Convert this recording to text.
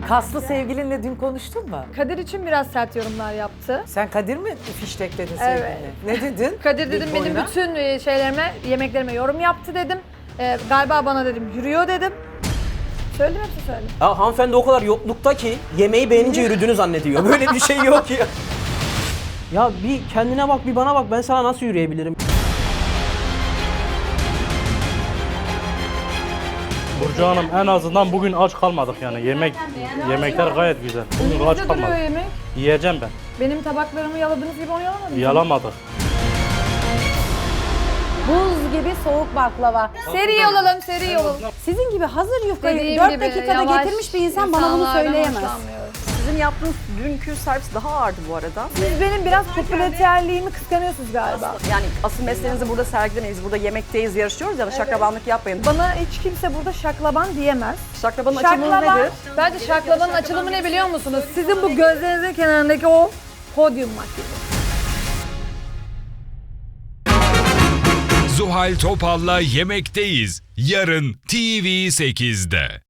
Kaslı sevgilinle dün konuştun mu? Kadir için biraz sert yorumlar yaptı. Sen Kadir mi fiştekledin Evet. sevgiline? Ne dedin? Kadir dedim Big benim boy'una? bütün şeylerime, yemeklerime yorum yaptı dedim. Galiba bana dedim yürüyor dedim. Söyledim hepsini söyledim. Ya hanımefendi o kadar yoklukta ki yemeği beğenince yürüdüğünü zannediyor. Böyle bir şey yok ya. Ya bir kendine bak, bir bana bak. Ben sana nasıl yürüyebilirim? Burcu Hanım en azından bugün aç kalmadık yani. Yemekler gayet güzel. Bugün aç Önünüzde duruyor kalmadık. yemek. Yiyeceğim ben. Benim tabaklarımı yaladığınız gibi onu yalamadınız. Yalamadık. Buz gibi soğuk baklava. Seri olalım, seri olalım. Sizin gibi hazır yufkayı Dediğim 4 gibi, dakikada yavaş getirmiş bir insan bana bunu insanlardan söyleyemez. hoşlanmıyorum. Sizin yaptığınız dünkü servis daha ağırdı bu arada. Siz benim biraz popülerliğimi kıskanıyorsunuz galiba. Yani asıl mesleğinizi burada sergilemeyiz. Burada yemekteyiz, yarışıyoruz ya da şaklabanlık yapmayın. Bana hiç kimse burada şaklaban diyemez. Şaklabanın açılımı Şaklaban, nedir? bence şaklabanın açılımı ne biliyor musunuz? Sizin bu gözlerinizin kenarındaki o podyum makyajı. Zuhal Topal'la Yemekteyiz. Yarın TV8'de.